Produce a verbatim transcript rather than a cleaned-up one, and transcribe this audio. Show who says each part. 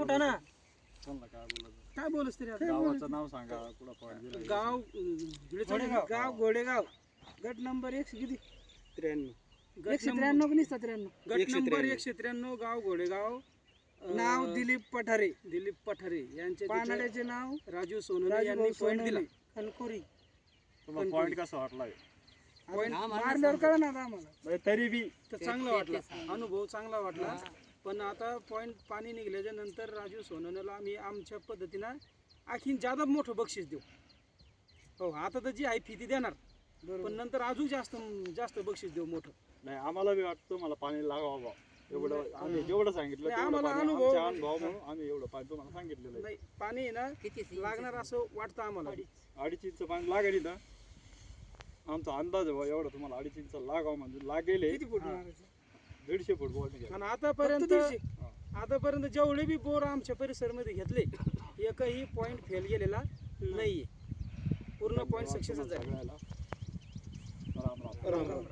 Speaker 1: उठा ना.
Speaker 2: कोणाला काय बोलायचं?
Speaker 3: काय बोलस तरी आता?
Speaker 2: गावाचं नाव सांगा, कुठं पॉईंट दिला.
Speaker 3: गाव घोडेगाव गाव घोडेगाव गट नंबर एकशे किती त्र्याण्णव एकशे त्र्याण्णव की निसता त्र्याण्णव गट नंबर एकशे त्र्याण्णव गाव घोडेगाव. नाव दिलीप पठारे दिलीप पठारे यांचे पानाड्याचे नाव राजू सोनवणे यांनी पॉईंट दिला. कणकोरी
Speaker 2: तुम्हाला पॉईंट कसा वाटला?
Speaker 3: पॉईंट मारल्यावर कळलं ना आता आम्हाला.
Speaker 2: तरी बी
Speaker 3: तर चांगला वाटला, अनुभव चांगला वाटला. पण आता पॉईंट पाणी निघल्याच्या नंतर राजू सोनवणेला आम्ही आमच्या पद्धतीनं आणखीन जादा मोठं बक्षीस देऊ. हो, आता तर जी आहे फी ती देणार, पण नंतर अजून जास्त जास्त बक्षीस देऊ मोठं.
Speaker 2: नाही, आम्हाला बी वाटतं मला पाणी लागावं बा. एवढं आम्ही जेवढं सांगितलं
Speaker 3: नाही,
Speaker 2: तेवढं
Speaker 3: आम्हाला
Speaker 2: पाणी
Speaker 3: अनुभव-
Speaker 2: आमच्या अनुभव म्हणून आम्ही एवढं पाणी तुम्हाला सांगितलेलं आहे.
Speaker 3: नाही, पाणी आहे ना लागणार असं वाटतं आम्हाला.
Speaker 2: अडीच इंच पाणी लागेल ना, आमचा अंदाज आहे बा एवढं तुम्हाला अडीच इंच लागावं म्हणजे लागेल हे.
Speaker 3: किती फूट मारायचं?
Speaker 2: दीडशे फूट बॉल निघाल.
Speaker 3: आणि आतापर्यंत आतापर्यंत जेवढे बी बोर आमच्या परिसरामध्ये घेतले एकही पॉईंट फेल गेलेला नाहीये. पूर्ण पॉईंट सक्सेसच आहे.
Speaker 2: सगळ्याला राम राम.
Speaker 3: राम राम.